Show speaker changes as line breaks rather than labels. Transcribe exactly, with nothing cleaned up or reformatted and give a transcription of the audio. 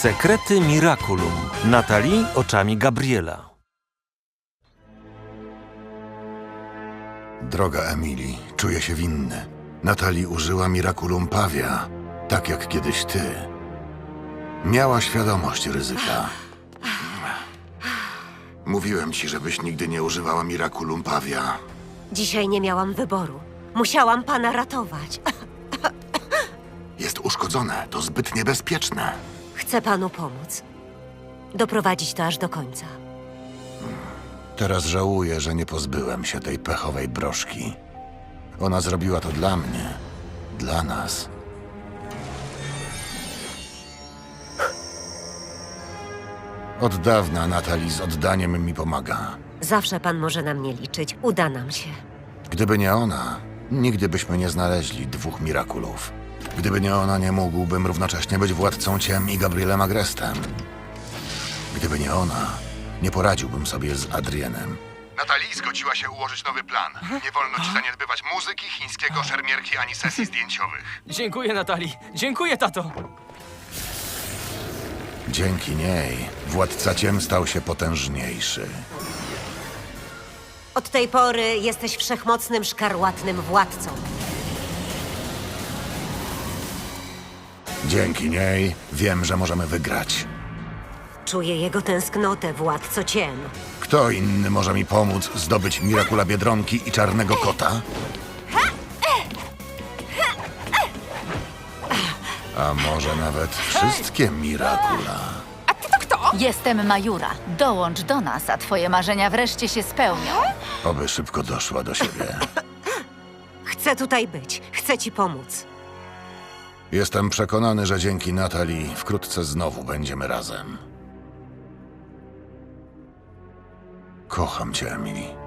Sekrety Miraculum. Natalie oczami Gabriela.
Droga Emily, czuję się winny. Natalie użyła Miraculum Pavia, tak jak kiedyś ty. Miała świadomość ryzyka. Mówiłem ci, żebyś nigdy nie używała Miraculum Pavia.
Dzisiaj nie miałam wyboru. Musiałam pana ratować.
Jest uszkodzone, to zbyt niebezpieczne.
Chcę panu pomóc. Doprowadzić to aż do końca.
Teraz żałuję, że nie pozbyłem się tej pechowej broszki. Ona zrobiła to dla mnie, dla nas. Od dawna Natalie z oddaniem mi pomaga.
Zawsze pan może na mnie liczyć. Uda nam się.
Gdyby nie ona, nigdy byśmy nie znaleźli dwóch Miraculów. Gdyby nie ona, nie mógłbym równocześnie być władcą ciem i Gabrielem Agrestem. Gdyby nie ona, nie poradziłbym sobie z Adrienem. Natalie zgodziła się ułożyć nowy plan. Nie wolno ci zaniedbywać muzyki, chińskiego, szermierki ani sesji zdjęciowych.
Dziękuję, Natalie. Dziękuję, tato.
Dzięki niej władca ciem stał się potężniejszy.
Od tej pory jesteś wszechmocnym, szkarłatnym władcą.
Dzięki niej wiem, że możemy wygrać.
Czuję jego tęsknotę, władco ciem.
Kto inny może mi pomóc zdobyć Miracula Biedronki i Czarnego Kota? A może nawet wszystkie Miracula?
Jestem Majura. Dołącz do nas, a twoje marzenia wreszcie się spełnią.
Oby szybko doszła do siebie.
Chcę tutaj być. Chcę ci pomóc.
Jestem przekonany, że dzięki Natalie wkrótce znowu będziemy razem. Kocham cię, Emily.